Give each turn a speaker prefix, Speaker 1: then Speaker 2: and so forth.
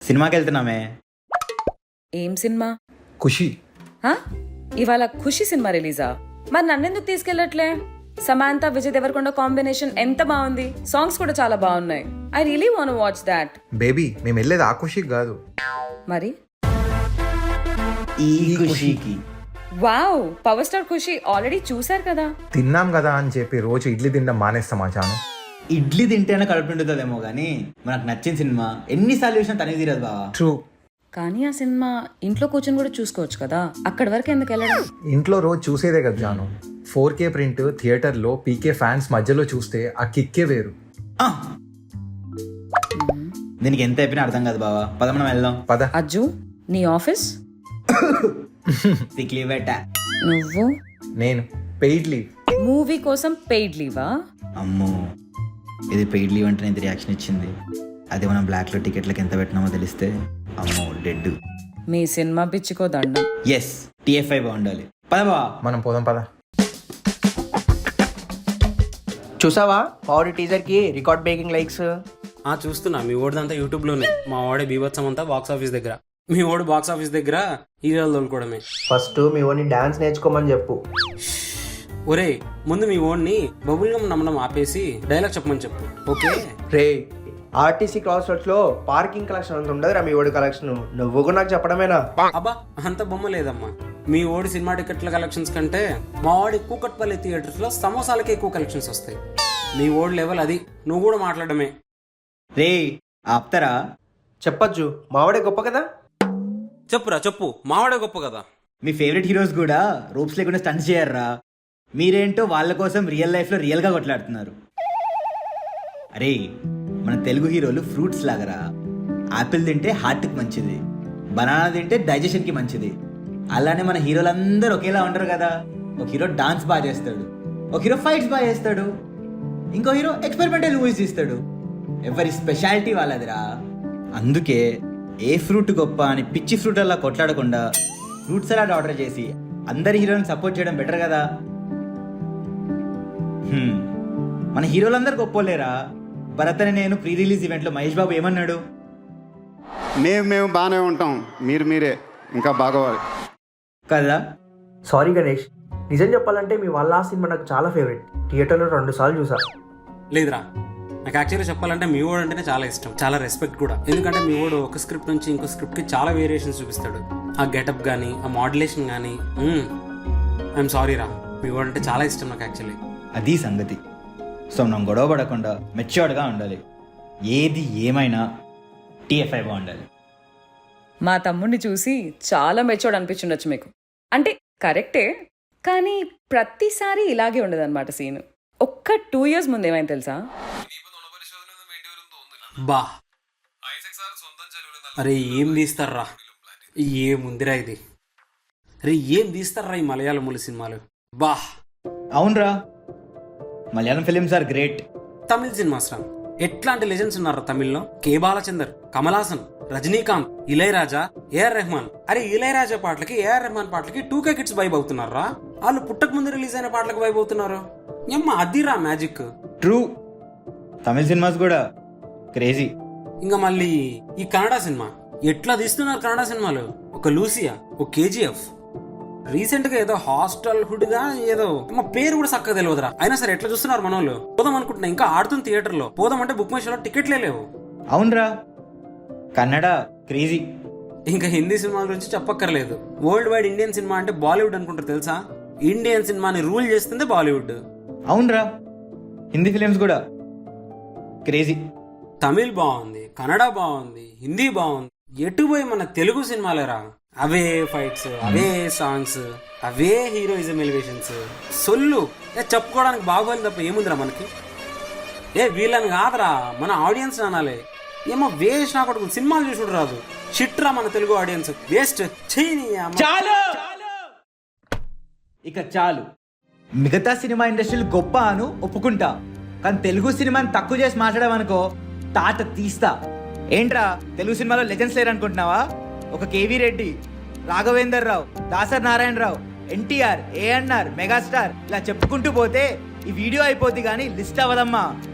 Speaker 1: సినిమాకి వెళ్తున్నామే.
Speaker 2: ఏం సినిమా?
Speaker 3: ఖుషి.
Speaker 2: హా? ఇవాళ ఖుషి సినిమా రిలీజా? మరి నన్నెందుకు తీసుకెళ్ళట్లే? సమాంత విజయ్ దేవరకొండ కాంబినేషన్ ఎంత బాగుంది, సాంగ్స్ కూడా చాలా బాగున్నాయి. I really want watch that.
Speaker 3: Baby మేము వెళ్ళేది ఆ ఖుషికి కాదు.
Speaker 2: మరి
Speaker 1: ఈ ఖుషికి.
Speaker 2: Wow, power star Kushi already చూసారు కదా.
Speaker 3: తిన్నాం కదా అని చెప్పి రోజు ఇడ్లీ తినడం మానేస్తామా చాను?
Speaker 1: ఇడ్లీ తింటేనే కడుపు నిండుతుందేమో కానీ మనకు నచ్చిన సినిమా ఎన్నిసార్లు చూసినా తనే తీరదు బావా.
Speaker 3: ట్రూ.
Speaker 2: కానీ ఆ సినిమా ఇంట్లో కూర్చొని కూడా చూసుకోవచ్చు కదా, అక్కడి వరకు ఎందుకు వెళ్ళడం?
Speaker 3: ఇంట్లో రోజు చూసేదే కదా జాను. 4K ప్రింట్ థియేటర్లో పీకే ఫ్యాన్స్ మధ్యలో చూస్తే ఆ కిక్కే వేరు.
Speaker 1: ఆ! దీనికి ఎంత అయిపోయినా అర్థం కాదు బావా. పద మనం వెళ్దాం.
Speaker 3: పద.
Speaker 2: అజ్జు, నీ ఆఫీస్,
Speaker 1: సిక్ లీవ్ పెట్టా.
Speaker 2: నువ్వు
Speaker 3: నేను పెయిడ్ లీవ్.
Speaker 2: మూవీ కోసం పెయిడ్ లీవా?
Speaker 1: అమ్మో, ఇది పెయిడ్ లీవ్ అంటే ఇంత రియాక్షన్ ఇచ్చింది. అదే మనం బ్లాక్లో టికెట్లకు ఎంత పెట్టినామో తెలిస్తే అమ్మో డెడ్.
Speaker 2: మీ సినిమా పిచ్చికో దండం.
Speaker 1: ఎస్, TFI బాగుండాలి. పద బావా.
Speaker 3: మనం పోదాం పద.
Speaker 4: చూసావా పవర్ టీజర్ కి రికార్డ్ బ్రేకింగ్ లైక్స్?
Speaker 5: చూస్తున్నా. మీ ఓడిదంతా యూట్యూబ్లోనే. మా వాడే బీభత్సం అంతా బాక్స్ ఆఫీస్ దగ్గర. మీ ఓడి బాక్స్ ఆఫీస్ దగ్గర హీరోలు తోలుకోవడమే.
Speaker 4: ఫస్ట్ మీ ఓన్ని డాన్స్ నేర్చుకోమని చెప్పు.
Speaker 5: ఒరే, ముందు మీ ఓడిని బబుల్ గమ్ నమ్మడం ఆపేసి డైలాగ్ చెప్పమని చెప్పు. ఓకే
Speaker 4: రే, ఆర్టీసీ క్రాస్ రోడ్స్ లో పార్కింగ్ కలెక్షన్ అంత ఉండదురా మీ ఓడి కలెక్షన్. నువ్వు కూడా నాకు చెప్పడమేనా?
Speaker 5: అబ్బా, అంత బొమ్మ లేదమ్మా. మీ ఓడి సినిమా టికెట్ల కలెక్షన్స్ కంటే మా వాడి కూకట్పల్లి థియేటర్స్ లో సమోసాలకే ఎక్కువ కలెక్షన్స్ వస్తాయి. మీ ఓడి లెవెల్ అది. నువ్వు కూడా మాట్లాడమే.
Speaker 1: రే ఆప్తరా.
Speaker 4: చెప్పొచ్చు, మావాడే గొప్ప కదా.
Speaker 5: చెప్పురా చెప్పు, మావాడే గొప్ప కదా.
Speaker 1: మీ ఫేవరెట్ హీరోస్ కూడా రూప్స్ లేకుండా స్టంట్స్ చేయర్రా. మీరేంటో వాళ్ళ కోసం రియల్ లైఫ్లో రియల్గా కొట్లాడుతున్నారు. అరే, మన తెలుగు హీరోలు ఫ్రూట్స్ లాగరా. యాపిల్ తింటే హార్ట్కి మంచిది, బనానా తింటే డైజెషన్కి మంచిది. అలానే మన హీరోలందరూ ఒకేలా ఉంటారు కదా. ఒక హీరో డాన్స్ బాగా చేస్తాడు, ఒక హీరో ఫైట్స్ బాగా చేస్తాడు, ఇంకో హీరో ఎక్స్పెరిమెంటల్ మూవీస్ తీస్తాడు. ఎవరి స్పెషాలిటీ వాళ్ళదిరా. అందుకే ఏ ఫ్రూట్ గొప్ప అని పిచ్చి ఫ్రూట్ అలా కొట్లాడకుండా ఫ్రూట్ సలాడ్ ఆర్డర్ చేసి అందరి హీరోని సపోర్ట్ చేయడం బెటర్ కదా. మన హీరోలందరూ గొప్పలేరా. భరత్ అని నేను ప్రీ రిలీజ్ ఈవెంట్లో మహేష్ బాబు ఏమన్నాడు?
Speaker 6: మేము బాగానే ఉంటాం, మీరే ఇంకా బాగోవాలి
Speaker 1: కదా.
Speaker 4: సారీ గణేష్, నిజం చెప్పాలంటే మీ వాళ్ళ ఆ సినిమా నాకు చాలా ఫేవరెట్. థియేటర్లో 2 సార్లు చూసా.
Speaker 5: లేదురా, నాకు యాక్చువల్గా చెప్పాలంటే మీ ఓడు అంటేనే చాలా ఇష్టం, చాలా రెస్పెక్ట్ కూడా. ఎందుకంటే మీ ఓడు ఒక స్క్రిప్ట్ నుంచి ఇంకో స్క్రిప్ట్కి చాలా వేరియేషన్స్ చూపిస్తాడు. ఆ గెటప్ కానీ, ఆ మాడ్యులేషన్ కానీ. ఐఎమ్ సారీ రా, మీ ఓడు అంటే చాలా ఇష్టం నాకు యాక్చువల్లీ.
Speaker 1: అది సంగతి. సో మనం గొడవ పడకుండా మెచ్యూర్డ్గా ఉండాలి. ఏది ఏమైనా TFI బాగుండాలి.
Speaker 2: మా తమ్ముడిని చూసి చాలా మెచ్యూర్డ్ అనిపించుండొచ్చు మీకు. అంటే కరెక్టే, కానీ ప్రతిసారి ఇలాగే ఉండదన్నమాట సీన్. ఒక్క 2 years ముందు ఏమైంది తెలుసా?
Speaker 5: బా, అరే ఏం తీస్తారా, ఏముందిరా ఇది. అరే ఏం తీస్తారా ఈ మలయాళం మూల సినిమాలు. బా
Speaker 1: అవునరా, Malayalam films are great.
Speaker 5: Tamil cinemas రా, ఎట్లాంటి లెజెండ్స్ ఉన్నారా తమిళ్లో. కే బాలచందర్, కమల్ హాసన్, రజనీకాంత్, ఇళయరాజా, AR రెహమాన్. అరే ఇళయరాజా పాటలకి, AR రెహమాన్ పాటలకి 2K కిడ్స్ వైబ్ అవుతున్నారా. వాళ్ళు పుట్టక ముందు రిలీజ్ అయిన పాటలకు వైబ్ అవుతున్నారు. ఏమ్మా అదిరా మ్యాజిక్.
Speaker 1: ట్రూ, తమిళ సినిమాస్ కూడా క్రేజీ.
Speaker 5: ఇంకా మళ్ళీ ఈ కన్నడ సినిమా ఎట్లా తీస్తున్నారు. కన్నడ సినిమాలు ఒక లూసియా, ఒక KGF, రీసెంట్ గా ఏదో హాస్టల్ హుడ్ గా ఏదో మా పేరు కూడా చక్కగా తెలియదురా. అయినా సరే ఎట్లా చూస్తున్నారు మన వాళ్ళు. పోదాం అనుకుంటున్నా, ఇంకా ఆడుతుంది థియేటర్ లో. పోదాం అంటే బుక్ మై షోలో టికెట్లే లేవు.
Speaker 1: అవునరా, కన్నడ క్రేజీ.
Speaker 5: ఇంకా హిందీ సినిమాల గురించి చెప్పక్కర్లేదు. వరల్డ్ వైడ్ ఇండియన్ సినిమా అంటే బాలీవుడ్ అనుకుంటారు తెలుసా. ఇండియన్ సినిమాని రూల్ చేస్తుంది బాలీవుడ్.
Speaker 1: అవునరా, హిందీ ఫిలిమ్స్ కూడా క్రేజీ.
Speaker 5: తమిళ్ బాగుంది, కన్నడ బాగుంది, హిందీ బాగుంది. ఎటు పోయి మన తెలుగు సినిమాలేరా. అవే ఫైట్స్, అవే సాంగ్స్, అవే హీరోయిజం ఎలివేషన్స్. సొల్లు చెప్పుకోవడానికి బాగోలేదు తప్ప ఏముందిరా మనకి. వీళ్ళని కాదురా, మన ఆడియన్స్ అనాలి. ఏమో వేస్ట్ నా కొడుకు సినిమాలు చూసుడు రాదు. షిట్రా మన తెలుగు ఆడియన్స్, వేస్ట్.
Speaker 1: చాలు, ఇక చాలు. మిగతా సినిమా ఇండస్ట్రీలు గొప్ప అను ఒప్పుకుంటా, కానీ తెలుగు సినిమాని తక్కువ చేసి మాట్లాడమనుకో తాట తీస్తా. ఏంట్రా తెలుగు సినిమాలో లెజెండ్స్ లేరు అనుకుంటున్నావా? ఒక KV Reddy, Raghavender Rao, Dasari Narayanarao, NTR, ANR, megastar, ఇలా చెప్పుకుంటూ పోతే ఈ వీడియో అయిపోద్ది కానీ లిస్ట్ అవ్వదమ్మా.